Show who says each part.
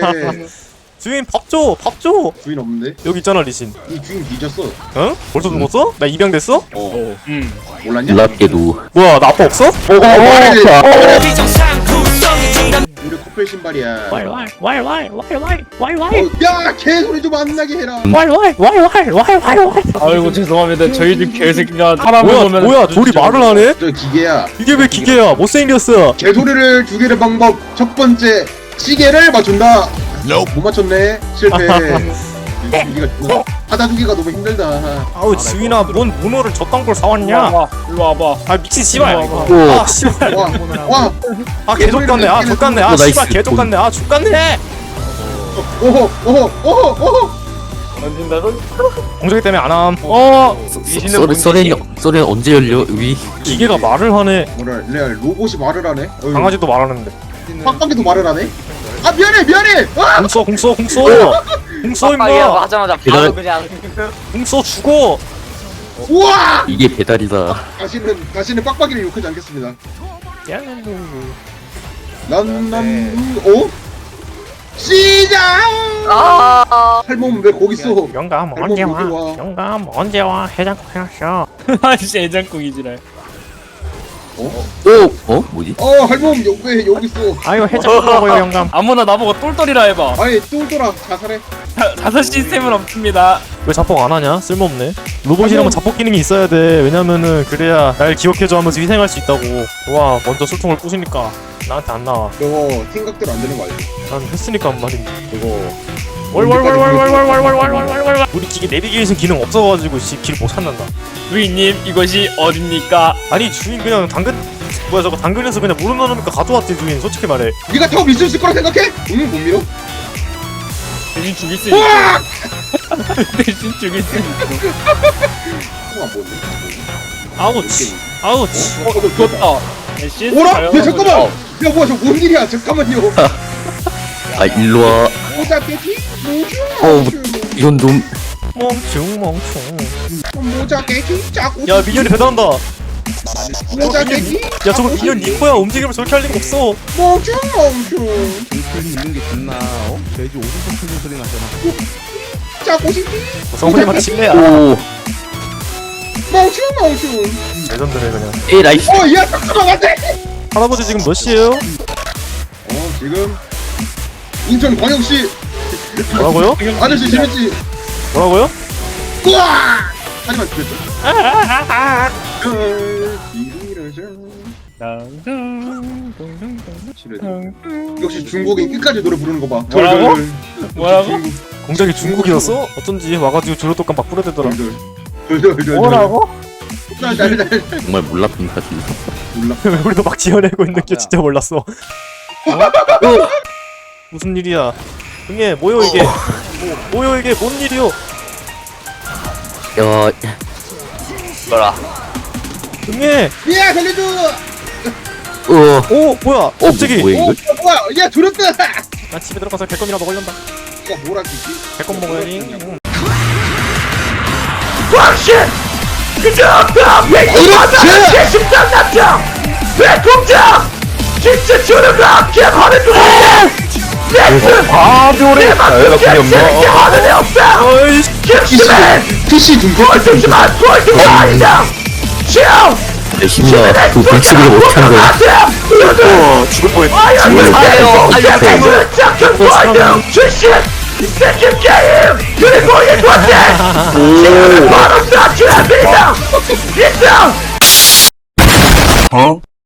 Speaker 1: 주인 밥 줘! 밥 줘!
Speaker 2: 주인 없는데?
Speaker 1: 여기 있잖아 리신.
Speaker 2: 이 주인 뒤졌어.
Speaker 1: 응? 벌써 죽었어? 나 입양 됐어?
Speaker 2: 몰랐냐?
Speaker 3: 놀랍게도
Speaker 1: 뭐야 나 아빠 없어?
Speaker 2: 우리 커플 신발이야.
Speaker 4: 왈왈왈왈왈왈왈왈왈
Speaker 2: 야 개소리 좀 안 나게 해라.
Speaker 4: 왈왈왈왈왈왈왈
Speaker 5: 아이고 죄송합니다. 저희들 개새끼가 사람을
Speaker 1: 뭐야
Speaker 5: 보면
Speaker 1: 뭐야 둘이 말을 하네?
Speaker 2: 저 기계야.
Speaker 1: 이게 왜 기계야? 못생겼어.
Speaker 2: 개소리를 죽이는 방법 첫 번째 시계를 맞춘다. 못 맞췄네. 실패. 주기가 하다 주기가 너무 힘들다.
Speaker 1: 아우 지윈아 뭔 문어를 저딴 걸
Speaker 5: 일로
Speaker 1: 사왔냐?
Speaker 5: 와봐. 일로 와봐.
Speaker 1: 아 미친 씨발.
Speaker 5: 오.
Speaker 1: 아 씨발.
Speaker 2: 와.
Speaker 1: 아 개족같네. 아 족같네. 아
Speaker 3: 나이스.
Speaker 1: 씨발 개족같네. 아 족같네.
Speaker 2: 오호.
Speaker 5: 던진다 던.
Speaker 1: 공작이 때문에 안 함.
Speaker 3: 썰에 언제 열려 위
Speaker 1: 기계가 말을 하네.
Speaker 2: 뭐라 레알 로봇이 말을 하네. 어휴.
Speaker 1: 강아지도 말하는데.
Speaker 2: 빡빡이도 말을 하네. 아 미안해. 아!
Speaker 1: 공써 임마.
Speaker 4: 하자마자
Speaker 3: 바로
Speaker 4: 바로 그냥
Speaker 1: 공써 죽어.
Speaker 2: 우와!
Speaker 3: 이게 배달이다.
Speaker 2: 다시는 빡빡이를 욕하지 않겠습니다. 난 시작! 할멈 왜 거기 있어?
Speaker 1: 영감
Speaker 2: 할멈
Speaker 1: 언제
Speaker 2: 여기
Speaker 1: 와?
Speaker 2: 와.
Speaker 1: 영감 언제 와? 해장국 해놨어.
Speaker 5: 아씨 애장국이지랄.
Speaker 3: 뭐지?
Speaker 2: 할멈 왜 여기 있어?
Speaker 1: 아유 해장국 먹어요 영감.
Speaker 5: 아무나 나보고 똘똘이라 해봐.
Speaker 2: 아니 똘똘아 자살해.
Speaker 5: 자살 시스템은 없습니다.
Speaker 1: 왜 자폭 안 하냐? 쓸모없네. 로봇이라면 자폭 기능이 있어야 돼. 왜냐면은 그래야 날 기억해줘 하면서 희생할 수 있다고. 와 먼저 술통을 부시니까 나한테 안 나와.
Speaker 2: 저거 생각대로 안 되는 거 알지?
Speaker 1: 난 했으니까 한 말인데.
Speaker 2: 저거
Speaker 1: 월월월월월월월월월월월월. 우리 기계 내비게이션 기능 없어가지고 길 못 찾는다.
Speaker 5: 주인님 이것이 어딥니까?
Speaker 1: 아니 주인 그냥 당근 뭐야 저거 당근에서 그냥 물어넣으니까 가져왔지 주인. 솔직히 말해.
Speaker 2: 네가 더 믿을 수 있을 거라 생각해? 응, 못 믿어?
Speaker 5: 대신 죽일 수 있어.
Speaker 2: 우와!
Speaker 5: 대신 죽일 수 있어.
Speaker 2: 안 보네.
Speaker 1: 아우치 아우치.
Speaker 2: 너 죽었다.
Speaker 5: 죽었다. CS
Speaker 2: 오라?
Speaker 5: 가요.
Speaker 2: 야 잠깐만! 야 뭐야 저뭔 일이야? 잠깐만요.
Speaker 3: 아 일로와.
Speaker 2: 모자 깨기?
Speaker 3: 이건 좀
Speaker 1: 멍충.
Speaker 2: 모자 깨기? 짜고.
Speaker 1: 야 미녀리 대단한다.
Speaker 2: 모자 깨기?
Speaker 1: 야 저거 미녀 니코야. 움직임을 저렇게 할 리가 없어.
Speaker 2: 멍충.
Speaker 6: 소리 있는 게 좋나? 돼지 오줌 섞는 소리 나잖아.
Speaker 2: 짜고 싶기?
Speaker 1: 성훈이만 칠래야.
Speaker 3: 오
Speaker 2: 멍충.
Speaker 1: 레전드네 그냥.
Speaker 3: 라이스.
Speaker 2: 야 잠깐만 안돼!
Speaker 1: 할아버지 지금 몇 시에요?
Speaker 2: 지금 인천광역시
Speaker 1: 뭐라고요?
Speaker 2: 아저씨 재밌지?
Speaker 1: 뭐라고요?
Speaker 2: 우와! 하지만 그랬죠? 역시 중국인 끝까지 노래 부르는 거 봐.
Speaker 5: 뭐라고? 뭐라고?
Speaker 2: 중국.
Speaker 1: 공작이 중국이었어? 어쩐지 와가지고 조류독감 막 뿌려대더라.
Speaker 2: 덜덜.
Speaker 5: 뭐라고?
Speaker 3: 정말 몰랐습니다.
Speaker 2: 몰라.
Speaker 1: 우리도 막 지어내고 있는 게 진짜 몰랐어. 무슨 일이야? 응애 뭐요 이게? 뭐요 이게 뭔 일이요?
Speaker 3: 야
Speaker 4: 뭐라
Speaker 1: 응애.
Speaker 2: 야 살려줘!
Speaker 1: 오 뭐야? 갑자기.
Speaker 3: 뭐야 이거?
Speaker 2: 뭐야? 야 들었다!
Speaker 1: 나 집에 들어가서 개껌이나 먹으련다.
Speaker 2: 야 뭐라 그지?
Speaker 1: 개껌 먹어야지. 응.
Speaker 2: PC 중국
Speaker 3: 내 힘이야 그 불치기를 못한 거야.
Speaker 1: 죽을 뻔했다.
Speaker 3: 오.